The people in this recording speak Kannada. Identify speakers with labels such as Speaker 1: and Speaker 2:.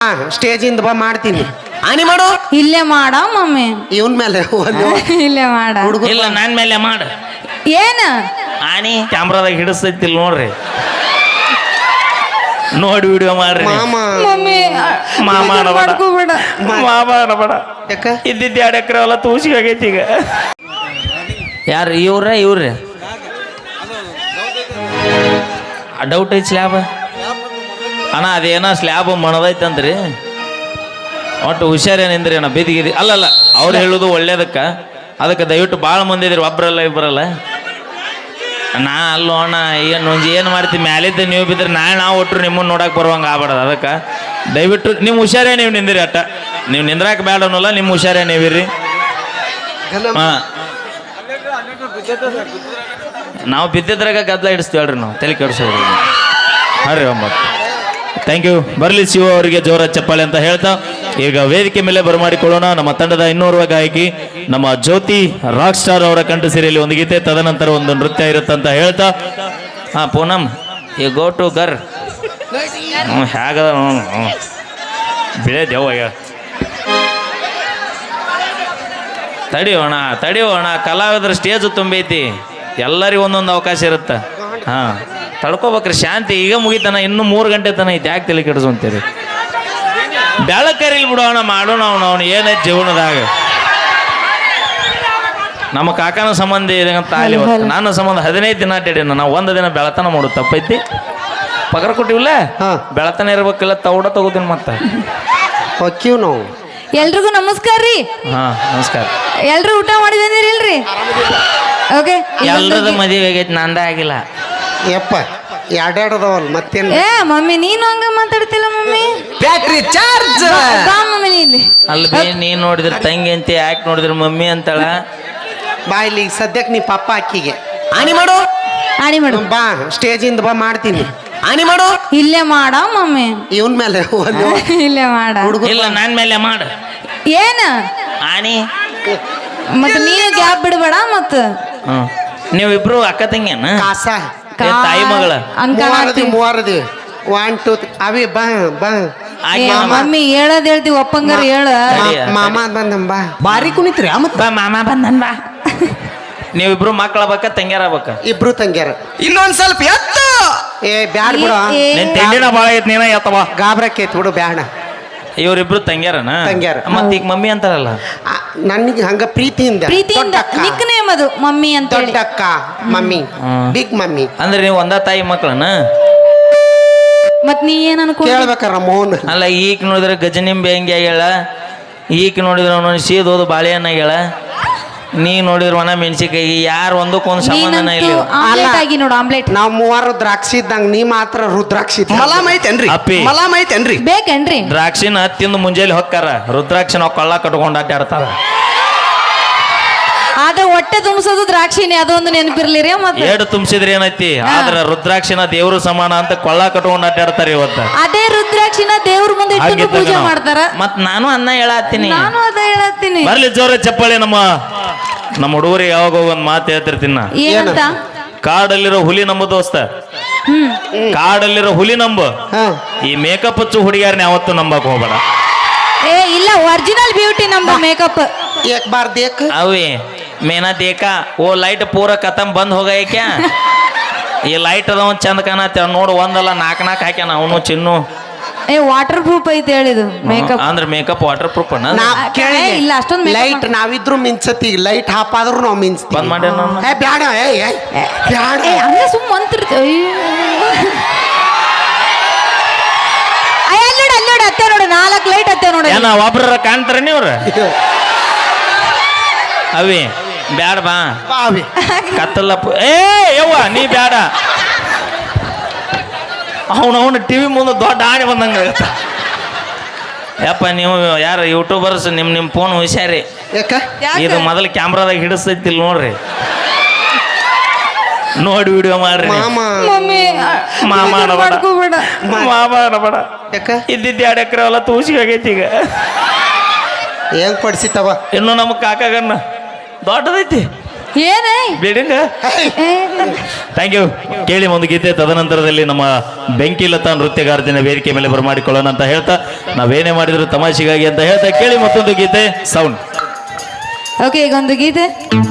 Speaker 1: ಸ್ಟೇಜಿಂದ ಬಾ ಮಾಡ್ತೀನಿ.
Speaker 2: ಆನಿ ಮಾಡು.
Speaker 3: ಇಲ್ಲೇ ಮಾಡ ಮಮ್ಮಿ.
Speaker 1: ಇವನ್ ಮೇಲೆ
Speaker 3: ಇಲ್ಲೇ ಮಾಡ.
Speaker 4: ಇಲ್ಲ ನನ್ ಮೇಲೆ ಮಾಡ.
Speaker 3: ಏನ
Speaker 4: ಆನಿ ಕ್ಯಾಮ್ರಾದಾಗ ಹಿಡಿಸ್ತೈತಿಲ್ ನೋಡ್ರಿ, ನೋಡಿ ವಿಡಿಯೋ ಮಾಡ್ರಿ.
Speaker 3: ಮಮ್ಮಿ ಮಾಡ್ಕೋಬೇಡ.
Speaker 4: ಮಾಡ ಇದ್ದಿದ್ದು 2 ಎಕರೆ ಹೊಲ ತೂಸಿ ಆಗೈತಿ ಈಗ. ಯಾರು ಇವ್ರಿ ಡೌಟ್ ಐತಿ ಸ್ಲ್ಯಾಬ್ ಅಣ್ಣ, ಅದೇನೋ ಸ್ಲ್ಯಾಬ್ ಮಣದೈತಂದ್ರಿ. ಒಟ್ಟು ಹುಷಾರೇನಿಂದ್ರಿ ಅಣ್ಣ, ಬಿದ್ದಿಗಿದಿ ಅಲ್ಲಲ್ಲ ಅವ್ರು ಹೇಳೋದು ಒಳ್ಳೇದಕ್ಕೆ. ಅದಕ್ಕೆ ದಯವಿಟ್ಟು ಭಾಳ ಮಂದಿ ಇದ್ರಿ, ಒಬ್ರಲ್ಲ ಇಬ್ಬರಲ್ಲ. ನಾ ಅಲ್ಲೋ ಅಣ್ಣ ಏನು ಮಾಡ್ತೀವಿ ಮ್ಯಾಲಿದ್ದ ನೀವು ಬಿದ್ದರೆ ನಾವು ಒಟ್ಟರು ನಿಮ್ಮನ್ನು ನೋಡಕ್ಕೆ ಬರುವಂಗೆ ಆಗ್ಬಾರ್ದು. ಅದಕ್ಕೆ ದಯವಿಟ್ಟು ನಿಮ್ಮ ಹುಷಾರೇ ನೀವು ನಿಂದಿರಿ. ಅಟ್ಟ ನೀವು ನಿಂದ್ರಾಕ ಬೇಡ ಅನ್ನೋಲ್ಲ, ನಿಮ್ಮ ಹುಷಾರೇ ನೀವಿರಿ. ಹಾಂ, ನಾವು ಬಿದ್ದಿದ್ರಾಗ ಗದ್ದಲ ಹಿಡಿಸ್ತೀವಿ ಹೇಳ್ರಿ, ನಾವು ತಲೆ ಕೆಡಿಸೋರು. ಹಾಂ ರೀ ಒಂಬತ್ತು. Thank you. ಬರಲಿ ಶಿವ ಅವರಿಗೆ ಜೋರ ಚಪ್ಪಾಳೆ ಅಂತ ಹೇಳ್ತಾ ಈಗ ವೇದಿಕೆ ಮೇಲೆ ಬರಮಾಡಿಕೊಳ್ಳೋಣ ನಮ್ಮ ತಂಡದ ಇನ್ನೋರ್ವ ಗಾಯಕಿ ನಮ್ಮ ಜ್ಯೋತಿ ರಾಕ್ ಸ್ಟಾರ್ ಅವರ ಕಂಠ ಸಿರಿಯಲ್ಲಿ ಒಂದು ಗೀತೆ, ತದನಂತರ ಒಂದು ನೃತ್ಯ ಇರುತ್ತೆ ಅಂತ ಹೇಳ್ತಾ. ಹಾಂ ಪೂನಮ್ ಯು ಗೋ ಟು ಗರ್. ಹೇಗದ ಬಿಳೆ ದೇವಯ್ಯ. ತಡಿಯೋಣ ಕಲಾವಿದ್ರ ಸ್ಟೇಜು ತುಂಬೈತಿ, ಎಲ್ಲರಿಗೂ ಒಂದೊಂದು ಅವಕಾಶ ಇರುತ್ತೆ. ಹಾಂ ತಡ್ಕೋಬೇಕ್ರಿ, ಶಾಂತಿ ಈಗ ಮುಗಿತಾನ, ಇನ್ನೂ 3 ಗಂಟೆ ತನ ಐತಿ, ಯಾಕೆ ತಲೆ ಕೆಡಿಸು ಅಂತೀರಿ? ಬೆಳಕರಿಲ್ ಬಿಡೋಣ, ಮಾಡೋಣ ಅವನು ಏನೈತಿ ಜೀವನದಾಗ. ನಮ್ಮ ಕಾಕನ ಸಂಬಂಧ ಅಂತ ಅಲ್ಲಿ ನನ್ನ ಸಂಬಂಧ 15 ದಿನ ಅಡ್ಡಾಡಿನ, ನಾವು 1 ದಿನ ಬೆಳತನ ಮಾಡೋದು ತಪ್ಪೈತಿ. ಪಗಾರ ಕೊಟ್ಟಿವಿಲ್ಲ, ಬೆಳತನ ಇರ್ಬೇಕಿಲ್ಲ, ತೌಡ ತಗೋತೀನಿ ಮತ್ತೆ.
Speaker 1: ನಾವು
Speaker 3: ಎಲ್ರಿಗೂ ನಮಸ್ಕಾರ ರೀ.
Speaker 4: ಹಾಂ ನಮಸ್ಕಾರ.
Speaker 3: ಎಲ್ರು ಊಟ ಮಾಡಿ ಬಂದಿರಿಲ್ರಿ? ಓಕೆ,
Speaker 4: ಎಲ್ರದ ಮದುವೆ ಆಗೈತಿ, ನಂದ ಆಗಿಲ್ಲ.
Speaker 1: ಯಪ್ಪ ಎರಡೆರಡದವಲ್ ಮತ್ತೇನು?
Speaker 3: ಏ ಮಮ್ಮಿ ನೀನು ಹಂಗ ಮಾತಾಡ್ತಿಲ್ಲ ಮಮ್ಮಿ.
Speaker 2: Battery charge.
Speaker 3: ಬಾ ಮಮ್ಮಿ ಇಲ್ಲಿ.
Speaker 4: ಅಲ್ಬೇ ನೀನ್ ನೋಡಿದ್ರೆ ತಂಗಿ ಅಂತ, ಯಾಕೆ ನೋಡಿದ್ರೆ ಮಮ್ಮಿ ಅಂತಾಳ.
Speaker 1: ಬಾ ಇಲ್ಲಿ ಸದ್ಯಕ್ಕೆ ನೀ ಪಪ್ಪ ಅಕ್ಕಿಗೆ
Speaker 2: ಆನಿ ಮಾಡು.
Speaker 1: ಬಾ ಸ್ಟೇಜಿಂದ ಬಾ ಮಾಡ್ತೀನಿ.
Speaker 2: ಆನಿ ಮಾಡು.
Speaker 3: ಇಲ್ಲೇ ಮಾಡ ಮಮ್ಮಿ.
Speaker 1: ಇವನ್ ಮೇಲೆ
Speaker 3: ಇಲ್ಲೇ ಮಾಡ.
Speaker 4: ಇಲ್ಲ ನನ್ ಮೇಲೆ ಮಾಡ.
Speaker 3: ಏನ
Speaker 4: ಆನಿ
Speaker 3: ಮತ್ ನೀನು ಗ್ಯಾಪ್ ಬಿಡಬೇಡ ಮತ್ತ.
Speaker 4: ನೀವಿಬ್ರು ಅಕ್ಕ ತಂಗಿಯನ?
Speaker 1: ಕಾಸ
Speaker 4: ತಾಯಿ ಮಗಳ?
Speaker 1: ಮೂವರದಿ 1 2 ಅವಿ ಬಾ ಬಾ.
Speaker 3: ಮಮ್ಮಿ ಹೇಳದ್ ಹೇಳ್ತೀವಿ, ಒಪ್ಪಂಗಾರ ಹೇಳ.
Speaker 1: ಮಾಮ ಬಂದಮ್ಮ ಬಾ.
Speaker 2: ಬಾರಿ ಕುಣಿತ್ರಿ
Speaker 4: ಬಾ ಮಾಮ ಬಂದನ್ ಬಾ. ನೀವಿಬ್ರು ಮಕ್ಕಳ ಬೇಕ ತಂಗ್ಯಾರ ಬೇಕ?
Speaker 1: ಇಬ್ರು ತಂಗ್ಯಾರ.
Speaker 2: ಇನ್ನೊಂದ್ ಸ್ವಲ್ಪ ಎತ್ತು.
Speaker 1: ಏ ಬ್ಯಾಡ ಬಿಡ,
Speaker 4: ನಿನ್ ತಿಂಡಿನ ಭಾಳ ಐತಿ, ನೀನ ಎತ್ತವ
Speaker 1: ಗಾಬ್ರಕ್ಕೈತಿ ಬಿಡು, ಬ್ಯಾಡ.
Speaker 4: ಇವ್ರಿಬ್ರು ತಂಗ್ಯಾರನ?
Speaker 1: ತಂಗ್ಯಾರ.
Speaker 4: ಮತ್ತ ಈಗ ಮಮ್ಮಿ ಅಂತಾರಲ್ಲ?
Speaker 1: ನನಗೆ ಹಂಗ ಪ್ರೀತಿಯಿಂದ
Speaker 3: ನಿಕ್ ನೇಮ್ ಅದು ಮಮ್ಮಿ ಅಂತ.
Speaker 1: ದೊಡ್ಡಕ್ಕ ಮಮ್ಮಿ, ಬಿಗ್ ಮಮ್ಮಿ.
Speaker 4: ಅಂದ್ರೆ ನೀವು ಒಂದ ತಾಯಿ ಮಕ್ಕಳನ?
Speaker 3: ಮತ್ ನೀ ಏನ್ ಅನ್ಕೊಂಡ್
Speaker 1: ಕೇಳ್ಬೇಕಾರ ಮೋಹನ್?
Speaker 4: ಅಲ್ಲ, ಈಗ ನೋಡಿದ್ರೆ ಗಜನಿಂಬೆ ಹೆಂಗೆ ಆಗ್ಯಾಳ, ಈಗ ನೋಡಿದ್ರೆ ಅವನು ಸೀದೋದು ಬಾಳೆಹಣ್ಣ ಆಗ್ಯಾಳ, ನೀ ನೋಡಿದ್ರೆ ಒಣ ಮೆಣಸಿಕಾಯಿ, ಯಾರು ಒಂದಕ್ಕೊಂದು ಸಂಬಂಧನ ಇಲ್ಲ.
Speaker 3: ನೋಡು ಆಮ್ಲೆಟ್.
Speaker 1: ನಾವ್ 3 ದ್ರಾಕ್ಷಿ ಇದ್ದಂಗ, ನೀ ಮಾತ್ರ ರುದ್ರಾಕ್ಷಿ.
Speaker 2: ಮಲಾಮ್ ಐತೇನ್ರಿ?
Speaker 4: ಅಪ್ಪಿ
Speaker 2: ಮಲಾಮ್ ಐತೇನ್ರಿ?
Speaker 3: ಬೇಕೇನ್ರಿ?
Speaker 4: ದ್ರಾಕ್ಷಿನ ತಿಂದು ಮುಂಜಾನೆ ಹೊಕ್ಕಾರ, ರುದ್ರಾಕ್ಷಿ ನಾವು ಕೊಳ್ಳ ಕಟ್ಕೊಂಡು ಅಡ್ಡಾಡ್ತಾರ.
Speaker 3: ಆದ್ರೆ ಹೊಟ್ಟೆ ತುಂಬಿಸೋದು ದ್ರಾಕ್ಷಿನೇ, ಅದೊಂದು ನೆನಪಿರ್ಲಿರಿ. ಮತ್ತೆ
Speaker 4: ಏಡು ತುಂಬಿಸಿದ್ರೆ ಏನೈತಿ, ಆದ್ರ ರುದ್ರಾಕ್ಷಿನ ದೇವ್ರು ಸಮಾನ ಅಂತ ಕೊಳ್ಳ ಕಟ್ಕೊಂಡು ಅಡ್ಡಾಡ್ತಾರ ಇವತ್ತ.
Speaker 3: ಅದೇ ರುದ್ರಾಕ್ಷಿನ ದೇವ್ರ ಮುಂದೆ ಇಟ್ಟು ಪೂಜೆ ಮಾಡ್ತಾರ.
Speaker 4: ಮತ್ ನಾನು ಅನ್ನ ಹೇಳತ್ತೀನಿ,
Speaker 3: ನಾನು ಅದ ಹೇಳತ್ತೀನಿ.
Speaker 4: ಬರ್ಲಿ ಜೋರ ಚಪ್ಪಾಳೆ. ನಮ್ಮ ಹುಡುಗರಿಗೆ ಯಾವಾಗ ಒಂದ್ ಮಾತು ಹೇಳ್ತಿರ್ತೀನ,
Speaker 3: ಏನಂತ?
Speaker 4: ಕಾಡಲ್ಲಿರೋ ಹುಲಿ ನಂಬು ದೋಸ್ತ, ಕಾಡಲ್ಲಿರೋ ಹುಲಿ ನಂಬು, ಈ ಮೇಕಪ್ ಹಚ್ಚು ಹುಡುಗಿಯಾರನ್ನ ಯಾವತ್ತು ನಂಬಕ್ ಹೋಗ್ಬೇಡ.
Speaker 3: ಏ ಇಲ್ಲ, ಒರಿಜಿನಲ್ ಬ್ಯೂಟಿ ನಮ್ದು ಮೇಕಪ್.
Speaker 1: ಏಕ್ ಬಾರ್ ದೇಕ್
Speaker 4: ಅವಿ ಮೇನಾ ದೇಕಾ ಓ ಲೈಟ್ ಪೂರ ಖತಮ್ ಬಂದ್ ಹೋಗ ಏಕ್ಯಾ. ಈ ಲೈಟ್ ಅದ ಒಂದ್ ಚಂದ ಕಾಣತ್ತ ನೋಡು, ಒಂದಲ್ಲ 4 ಹಾಕ್ಯಾನ ಅವನು ಚಿನ್ನು.
Speaker 3: ಏ ವಾಟರ್ ಪ್ರೂಫ್ ಐತೆ ಹೇಳಿದು ಮೇಕಪ್.
Speaker 4: ಅಂದ್ರೆ ಮೇಕಪ್ ವಾಟರ್ ಪ್ರೂಫ್ ಅಣ್ಣ?
Speaker 3: ಇಲ್ಲ ಅಷ್ಟೊಂದು
Speaker 1: ಲೈಟ್ ನಾವಿದ್ರು ಮಿಂಚತಿ, ಲೈಟ್ ಹಾಪಾದ್ರು ನಾವು ಮಿಂಚ್ತೀವಿ.
Speaker 4: ಬಂದ್ ಮಾಡಿ
Speaker 1: ಬ್ಯಾಡ ಬ್ಯಾಡ,
Speaker 3: ಹಂಗ ಸುಮ್ಮ ಅಂತಿರ್ತೀವಿ. ಅಲ್ಲೋಡ ಅತ್ತೆ ನೋಡು, 4 ಲೈಟ್ ಅತ್ತೆ ನೋಡ.
Speaker 4: ಏನ ಒಬ್ರ ಕಾಣ್ತಾರ ನೀವ್ರ? ಅವಿ ಬ್ಯಾಡ ಬಾ ಕತ್ತಲ್ಲ. ಏ ಯವ್ವ ನೀ ಬ್ಯಾಡ, ಅವನು ಟಿವಿ ಮುಂದೆ ದೊಡ್ಡ ಆಣೆ ಬಂದಂಗ. ಯಪ್ಪ ನೀವು ಯಾರು ಯೂಟ್ಯೂಬರ್ಸ್, ನಿಮ್ಮ ಫೋನ್ ಹುಷಾರಿ. ಇದು ಮೊದಲು ಕ್ಯಾಮ್ರಾದಾಗ ಹಿಡಿಸ್ತೈತಿಲ್ ನೋಡ್ರಿ, ನೋಡಿ ವಿಡಿಯೋ ಮಾಡ್ರಿ. ಮಾಡ ಇದ್ದಿದ್ದು 2 ಎಕರೆ ಹೊಲ ತೂಸಿ ಆಗೈತಿ ಈಗ.
Speaker 1: ಹೆಂಗ್ ಪಡಿಸಿತವ?
Speaker 4: ಇನ್ನು ನಮ್ಮ ಕಾಕಾಗನ್ನ ದೊಡ್ಡದೈತಿ,
Speaker 3: ಏನೇ
Speaker 4: ಬಿಡಿಂಗ ಥ್ಯಾಂಕ್ ಯು. ಕೇಳಿ ಒಂದು ಗೀತೆ, ತದನಂತರದಲ್ಲಿ ನಮ್ಮ ಬೆಂಕಿಲತಾ ನೃತ್ಯಗಾರ್ತಿನ ವೇದಿಕೆ ಮೇಲೆ ಬರಮಾಡಿಕೊಳ್ಳೋಣ ಅಂತ ಹೇಳ್ತಾ, ನಾವೇನೇ ಮಾಡಿದ್ರು ತಮಾಷೆಗಾಗಿ ಅಂತ ಹೇಳ್ತಾ ಕೇಳಿ ಮತ್ತೊಂದು ಗೀತೆ. ಸೌಂಡ್
Speaker 3: ಓಕೆ, ಈಗ ಒಂದು ಗೀತೆ.